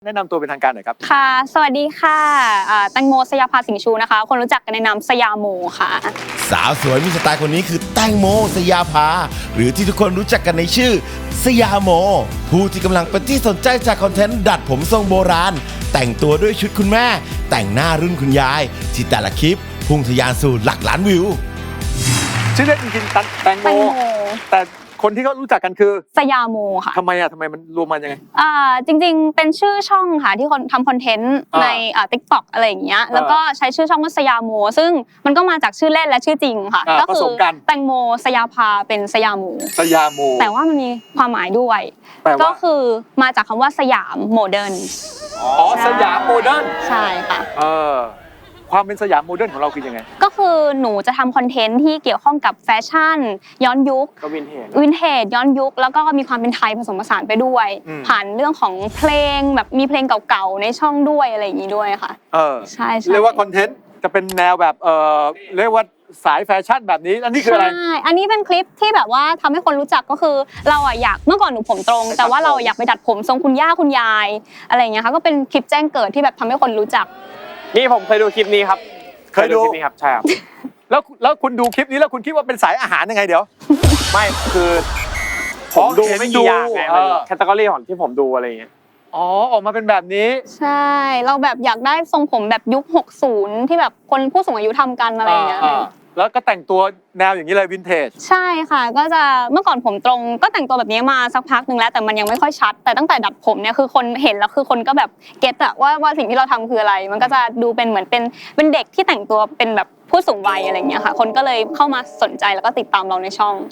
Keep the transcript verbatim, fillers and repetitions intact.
แนะนำตัวเป็นทางการหน่อยครับค่ะสวัสดีค่ะแตงโมสยาภาสิงห์ชูนะคะคนรู้จักกันในนามสยามโมค่ะสาวสวยมีสไตล์คนนี้คือแตงโมสยาภาหรือที่ทุกคนรู้จักกันในชื่อสยามโมผู้ที่กำลังเป็นที่สนใจจากคอนเทนต์ดัดผมทรงโบราณแต่งตัวด้วยชุดคุณแม่แต่งหน้ารุ่นคุณยายที่แต่ละคลิปพุ่งทะยานสู่หลักล้านวิวชื่อเล่นจริงๆแตงโมแต่คนที่เขารู้จักกันคือสยามโมค่ะทำไมอ่ะทำไมมันรวมมันยังไงอ่าจริงๆเป็นชื่อช่องค่ะที่คนทำคอนเทนต์ในอ่า ติ๊กต็อก อะไรอย่างเงี้ยแล้วก็ใช้ชื่อช่องว่าสยามโมซึ่งมันก็มาจากชื่อเล่นและชื่อจริงค่ะก็คือแตงโมสยาภาเป็นสยามโมสยามโมแต่ว่ามันมีความหมายด้วยก็คือมาจากคำว่าสยามโมเดิร์นอ๋อสยามโมเดิร์นใช่ค่ะเออความเป็นสยามโมเดิร์นของเราคือยังไงก็คือหนูจะทำคอนเทนต์ที่เกี่ยวข้องกับแฟชั่นย้อนยุคก็วินเทจวินเทจย้อนยุคแล้วก็มีความเป็นไทยผสมผสานไปด้วยผ่านเรื่องของเพลงแบบมีเพลงเก่าๆในช่องด้วยอะไรอย่างนี้ด้วยค่ะเออใช่เรียกว่าคอนเทนต์จะเป็นแนวแบบเออเรียกว่าสายแฟชั่นแบบนี้อันนี้คืออะไรใช่อันนี้เป็นคลิปที่แบบว่าทำให้คนรู้จักก็คือเราอ่ะอยากเมื่อก่อนหนูผมตรงแต่ว่าเราอยากไปดัดผมทรงคุณย่าคุณยายอะไรอย่างเงี้ยค่ะก็เป็นคลิปแจ้งเกิดที่แบบทำให้คนรู้จักนี่ผมเคยดูคลิปนี้ครับเคยดูคลิปนี้ครับใช่ครับแล้วแล้วคุณดูคลิปนี้แล้วคุณคิดว่าเป็นสายอาหารยังไงเดี๋ยวไม่คือผมดูไม่กี่อย่างไงแคตตากรีของที่ผมดูอะไรอย่างเงี้ยอ๋อออกมาเป็นแบบนี้ใช่เราแบบอยากได้ทรงผมแบบยุคหกสิบที่แบบคนผู้สูงอายุทำกันอะไรอย่างเงี้ยแล้วก็แต่งตัวแนวอย่างนี้เลยวินเทจใช่ค่ะก็จะเมื่อก่อนผมตรงก็แต่งตัวแบบนี้มาสักพักหนึ่งแล้วแต่มันยังไม่ค่อยชัดแต่ตั้งแต่ดัดผมเนี่ยคือคนเห็นแล้วคือคนก็แบบเก็ตอะว่าว่าสิ่งที่เราทำคืออะไรมันก็จะดูเป็นเหมือนเป็นเป็นเด็กที่แต่งตัวเป็นแบบผู้สูงวัยอะไรอย่างเงี้ยค่ะคนก็เลยเข้ามาสนใจแล้วก็ติดตามเราในช่อง